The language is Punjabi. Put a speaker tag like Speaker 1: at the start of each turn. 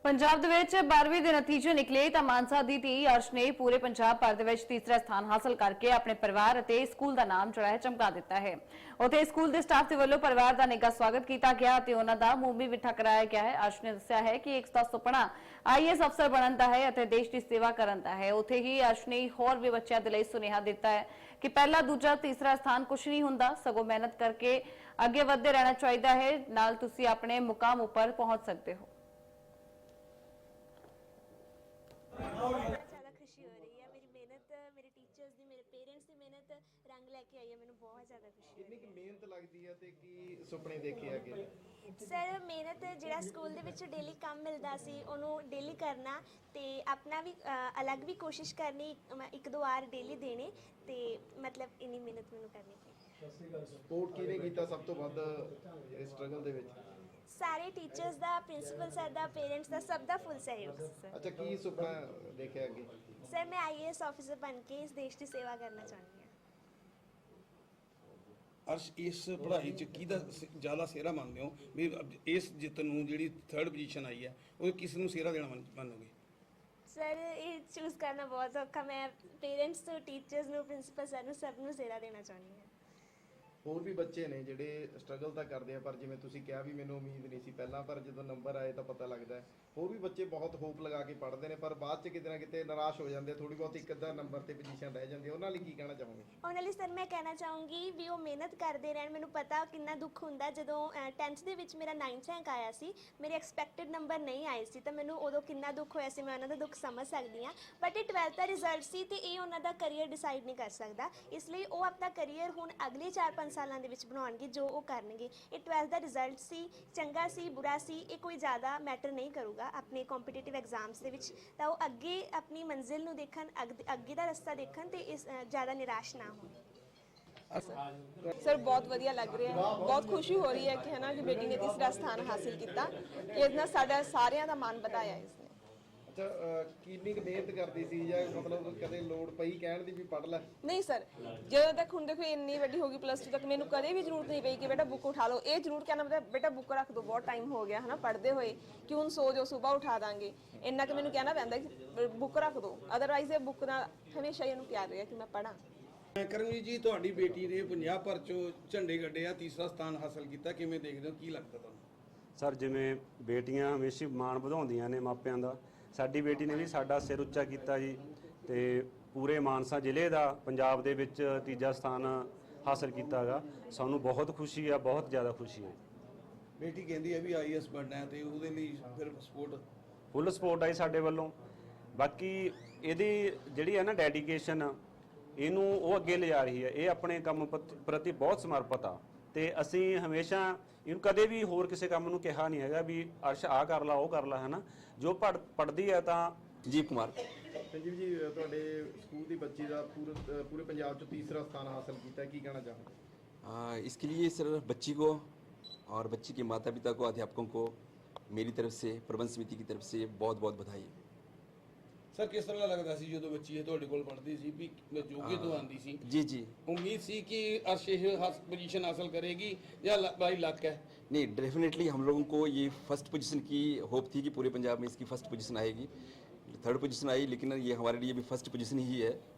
Speaker 1: पंजाब दे विच 12वीं दे नतीजे निकले तां मानसा दी धी अर्श ने पूरे पंजाब भर दे विच तीसरा स्थान हासिल करके अपने परिवार अते स्कूल दा नाम जोड़ा है चमका दिता है। उत्थे स्कूल दे स्टाफ दे वल्लों परिवार दा निੱਘਾ स्वागत किया गया ते उन्हां दा मूंह भी मिठा कराया गया है। अर्श ने दस्सिया है कि एक सुपना IAS अफसर बनन दा है अते देश दी सेवा करन दा है। उत्थे ही अर्श ने होर भी बच्चों दे लई सुनेहा दिता है कि पहला दूजा तीसरा स्थान कुछ नहीं हुंदा, सगों मेहनत करके अगे वधदे रहना चाहिदा है, नाल तुसीं अपने मुकाम उपर पहुंच सकते हो।
Speaker 2: ज़्यादा खुशी हो रही है। मेरी मेहनत, मेरे टीचर्स दी, मेरे पेरेंट्स दी मेहनत रंग लैके आई है। मैंने बहुत ज़्यादा खुशी
Speaker 3: कितनी की मेहनत लगती है ते की सुपने देखे अगे
Speaker 2: सर मेहनत ਜਿਹੜਾ ਸਕੂਲ ਦੇ ਵਿੱਚ ਡੇਲੀ ਕੰਮ ਮਿਲਦਾ ਸੀ ਉਹਨੂੰ ਡੇਲੀ ਕਰਨਾ ਤੇ ਆਪਣਾ ਵੀ ਅਲੱਗ ਵੀ ਕੋਸ਼ਿਸ਼ ਕਰਨੀ, ਇੱਕ ਦੋ ਵਾਰ ਡੇਲੀ ਦੇਣੇ ਤੇ ਮਤਲਬ ਇੰਨੀ ਮਿਹਨਤ ਮੈਨੂੰ ਕਰਨੀ ਪਈ।
Speaker 3: ਸਪੋਰਟ ਕਿਹਨੇ ਕੀਤਾ ਸਭ ਤੋਂ ਵੱਧ ਇਸ ਸਟਰਗਲ ਦੇ ਵਿੱਚ?
Speaker 2: ਸਾਰੇ ਟੀਚਰਸ ਦਾ, ਪ੍ਰਿੰਸੀਪਲ ਸਰ ਦਾ, ਪੇਰੈਂਟਸ ਦਾ, ਸਭ ਦਾ ਫੁੱਲ ਸਹਿਯੋਗ ਸਰ।
Speaker 3: ਅੱਛਾ, ਕੀ ਸੁਪਨਾ ਦੇਖਿਆ ਅੱਗੇ?
Speaker 2: ਸਰ ਮੈਂ IAS ਆਫੀਸਰ ਬਣ ਕੇ ਇਸ ਦੇਸ਼ ਦੀ ਸੇਵਾ ਕਰਨਾ ਚਾਹੁੰਦੀ ਹਾਂ।
Speaker 4: अर्श इस पढ़ाई च किहदा ज़्यादा सेहरा मानते हो भी इस जित नूं जिहड़ी थर्ड पोजीशन आई है वो किस नूं सेहरा देना मानोगे?
Speaker 2: सर ये चूज़ करना बहुत औखा। मैं पेरेंट्स ਨੂੰ, ਟੀਚਰਸ ਨੂੰ, ਪ੍ਰਿੰਸੀਪਲ ਸਰ ਨੂੰ, ਸਭ ਨੂੰ ਸਿਹਰਾ ਦੇਣਾ ਚਾਹੁੰਦੀ ਹਾਂ।
Speaker 3: ਹੋਰ ਵੀ ਬੱਚੇ ਨੇ ਜਿਹੜੇ ਸਟਰਗਲ ਤਾਂ ਕਰਦੇ ਆ, ਪਰ ਜਿਵੇਂ ਤੁਸੀਂ ਕਿਹਾ ਵੀ ਮੈਨੂੰ ਉਮੀਦ ਨਹੀਂ ਸੀ ਪਹਿਲਾਂ, ਪਰ ਜਦੋਂ ਨੰਬਰ ਆਏ ਤਾਂ ਪਤਾ ਲੱਗਦਾ ਹੈ। ਹੋਰ ਵੀ ਬੱਚੇ ਬਹੁਤ ਹੋਪ ਲਗਾ ਕੇ ਪੜ੍ਹਦੇ ਨੇ, ਪਰ ਬਾਅਦ 'ਚ ਕਿਤੇ ਨਾ ਕਿਤੇ ਨਿਰਾਸ਼ ਹੋ ਜਾਂਦੇ, ਥੋੜੀ ਬਹੁਤ ਇੱਕ ਅੱਧਾ ਨੰਬਰ ਤੇ ਪੋਜੀਸ਼ਨ ਰਹਿ ਜਾਂਦੀ ਹੈ। ਉਹਨਾਂ ਲਈ ਕੀ ਕਹਿਣਾ ਚਾਹੋਗੇ?
Speaker 2: ਉਹਨਾਂ ਲਈ ਸਰ ਮੈਂ ਕਹਿਣਾ ਚਾਹੂੰਗੀ ਵੀ ਉਹ ਮਿਹਨਤ ਕਰਦੇ ਰਹਿਣ। ਮੈਨੂੰ ਪਤਾ ਕਿੰਨਾ ਦੁੱਖ ਹੁੰਦਾ ਜਦੋਂ 10th ਦੇ ਵਿੱਚ ਮੇਰਾ 9th ਰੈਂਕ ਆਇਆ ਸੀ, ਮੇਰੇ ਐਕਸਪੈਕਟਡ ਨੰਬਰ ਨਹੀਂ ਆਏ ਸੀ, ਤਾਂ ਮੈਨੂੰ ਉਦੋਂ ਕਿੰਨਾ ਦੁੱਖ ਹੋਇਆ ਸੀ। ਮੈਂ ਉਹਨਾਂ ਦਾ ਦੁੱਖ ਸਮਝ ਸਕਦੀ ਹਾਂ, ਬਟ ਇਹ 12th ਦਾ ਰਿਜ਼ਲਟ ਸੀ ਤੇ ਇਹ ਉਹਨਾਂ ਦਾ ਕਰੀਅਰ ਡਿਸਾਈਡ ਨਹੀਂ ਕਰ ਸਕਦਾ। ਇਸ ਲਈ ਉਹ ਆਪਣਾ ਕਰੀਅਰ ਹੁਣ ਅਗਲੇ 4-5 ਸਾਲਾਂ ਦੇ ਵਿੱਚ ਬਣਾਉਣਗੇ ਜੋ ਉਹ ਕਰਨਗੇ। ਇਹ 12th ਦਾ ਰਿਜ਼ਲਟ ਸੀ, ਚੰਗਾ ਸੀ, ਬੁਰਾ ਸੀ, ਇਹ ਕੋਈ ਜ਼ਿਆਦਾ ਮੈਟਰ ਨਹੀਂ ਕਰੂਗਾ ਆਪਣੇ ਕੰਪੀਟੀਟਿਵ ਐਗਜ਼ਾਮਸ ਦੇ ਵਿੱਚ। ਤਾਂ ਉਹ ਅੱਗੇ ਆਪਣੀ ਮੰਜ਼ਿਲ ਨੂੰ ਦੇਖਣ, ਅੱਗੇ ਦਾ ਰਸਤਾ ਦੇਖਣ ਤੇ ਇਸ ਜ਼ਿਆਦਾ ਨਿਰਾਸ਼ ਨਾ ਹੋਣ।
Speaker 5: सर बहुत वधिया लग रहा है, बहुत खुशी हो रही है कि है ना कि बेटी ने तीसरा स्थान हासिल किया। इस नाल साडा सारियां दा मान वधाया इसने।
Speaker 3: ਅੱਛਾ, ਕਿੰਨੀ ਕੁ ਮਿਹਨਤ ਕਰਦੀ ਸੀ ਜਾਂ ਮਤਲਬ ਕਦੇ ਲੋੜ ਪਈ ਕਹਿਣ ਦੀ ਵੀ ਪੜ੍ਹ ਲੈ?
Speaker 5: नहीं सर, ਜਦੋਂ ਤੱਕ ਹੁਣ ਦੇਖੋ ਇੰਨੀ ਵੱਡੀ ਹੋ ਗਈ +2 ਤੱਕ, ਮੈਨੂੰ ਕਦੇ ਵੀ ਜ਼ਰੂਰਤ ਨਹੀਂ ਪਈ ਕਿ ਬੇਟਾ ਬੁੱਕ ਉਠਾ ਲਓ। ਇਹ ਜ਼ਰੂਰ ਕਹਿਣਾ ਪਤਾ ਬੇਟਾ ਬੁੱਕ ਰੱਖ ਦੋ, ਬਹੁਤ ਟਾਈਮ ਹੋ ਗਿਆ ਹੈ ਨਾ ਪੜ੍ਹਦੇ ਹੋਏ, ਕਿਉਂ ਸੋ ਜਾਓ, ਸਵੇਰ ਉਠਾ ਦਾਂਗੇ। ਇੰਨਾ ਕਿ ਮੈਨੂੰ ਕਹਿਣਾ ਪੈਂਦਾ ਕਿ ਬੁੱਕ ਰੱਖ ਦੋ, ਅਦਰਵਾਈਜ਼ ਇਹ ਬੁੱਕ ਨਾਲ ਹਮੇਸ਼ਾ ਹੀ ਇਹਨੂੰ ਪਿਆਰ ਰਿਹਾ ਕਿ ਮੈਂ ਪੜ੍ਹਾਂ।
Speaker 4: ਕਰਮਜੀਤ ਜੀ, ਤੁਹਾਡੀ ਬੇਟੀ ਨੇ ਪੰਜਾਬ ਭਰ ਚੋਂ ਝੰਡੇ ਗੱਡੇ ਆ, ਤੀਸਰਾ ਸਥਾਨ ਹਾਸਲ ਕੀਤਾ, ਕਿਵੇਂ ਦੇਖਦੇ ਹੋ, ਕੀ ਲੱਗਦਾ ਤੁਹਾਨੂੰ?
Speaker 6: ਸਰ, ਜਿਵੇਂ ਬੇਟੀਆਂ ਹਮੇਸ਼ਾ ਮਾਣ ਵਧਾਉਂਦੀਆਂ ਨੇ ਮਾਪਿਆਂ ਦਾ, ਸਾਡੀ ਬੇਟੀ ਨੇ ਵੀ ਸਾਡਾ ਸਿਰ ਉੱਚਾ ਕੀਤਾ ਜੀ ਤੇ ਪੂਰੇ ਮਾਨਸਾ ਜ਼ਿਲ੍ਹੇ ਦਾ ਪੰਜਾਬ ਦੇ ਵਿੱਚ ਤੀਜਾ ਸਥਾਨ ਹਾਸਲ ਕੀਤਾ ਹੈਗਾ। ਸਾਨੂੰ ਬਹੁਤ ਖੁਸ਼ੀ ਆ, ਬਹੁਤ ਜ਼ਿਆਦਾ ਖੁਸ਼ੀ ਹੈ।
Speaker 4: ਬੇਟੀ ਕਹਿੰਦੀ ਹੈ ਵੀ IAS ਬਣਨਾ ਹੈ ਤੇ ਉਹਦੇ ਲਈ ਫਿਰ
Speaker 6: ਫੁੱਲ ਸਪੋਰਟ ਆਈ ਸਾਡੇ ਵੱਲੋਂ। ਬਾਕੀ ਇਹਦੀ ਜਿਹੜੀ ਹੈ ਨਾ ਡੈਡੀਕੇਸ਼ਨ, ਇਹਨੂੰ ਉਹ ਅੱਗੇ ਲਿਜਾ ਰਹੀ ਹੈ। ਇਹ ਆਪਣੇ ਕੰਮ ਪ੍ਰਤੀ ਬਹੁਤ ਸਮਰਪਿਤ ਆ ਤੇ ਅਸੀਂ ਹਮੇਸ਼ਾ ਇਹਨੂੰ ਕਦੇ ਵੀ ਹੋਰ ਕਿਸੇ ਕੰਮ ਨੂੰ ਕਿਹਾ ਨਹੀਂ ਹੈਗਾ ਵੀ ਅਰਸ਼ ਆਹ ਕਰ ਲਾ, ਉਹ ਕਰ ਲਾ, ਹੈ ਨਾ। ਜੋ ਪੜ੍ਹਦੀ ਹੈ ਤਾਂ
Speaker 7: संजीव कुमार।
Speaker 3: ਸੰਜੀਵ ਜੀ, ਤੁਹਾਡੇ ਸਕੂਲ ਦੀ ਬੱਚੀ ਦਾ ਪੂਰੇ ਪੰਜਾਬ 'ਚ ਤੀਸਰਾ ਸਥਾਨ ਹਾਸਲ ਕੀਤਾ, ਕੀ ਕਹਿਣਾ ਚਾਹੋਗੇ?
Speaker 7: इसके लिए सर बच्ची को और बच्ची के माता पिता को, अध्यापकों को मेरी तरफ से, प्रबंध समिति की तरफ से बहुत बहुत बधाई।
Speaker 4: ਸਰ, ਕਿਸ ਤਰ੍ਹਾਂ ਲੱਗਦਾ ਸੀ ਜਦੋਂ ਬੱਚੀ ਇਹ ਤੁਹਾਡੇ ਕੋਲ ਪੜ੍ਹਦੀ ਸੀ ਵੀ ਜੋਗੇ ਤੋਂ ਆਂਦੀ ਸੀ?
Speaker 7: जी जी,
Speaker 4: ਉਮੀਦ ਸੀ कि अर्श ਇਹ पोजीशन हासिल करेगी या भाई लक है?
Speaker 7: नहीं, डेफिनेटली हम लोगों को ये फर्स्ट पोजीशन की होप थी कि पूरे पंजाब में इसकी फर्स्ट पोजीशन आएगी। थर्ड पोजीशन आई, लेकिन ये हमारे लिए भी फर्स्ट पोजीशन ही है।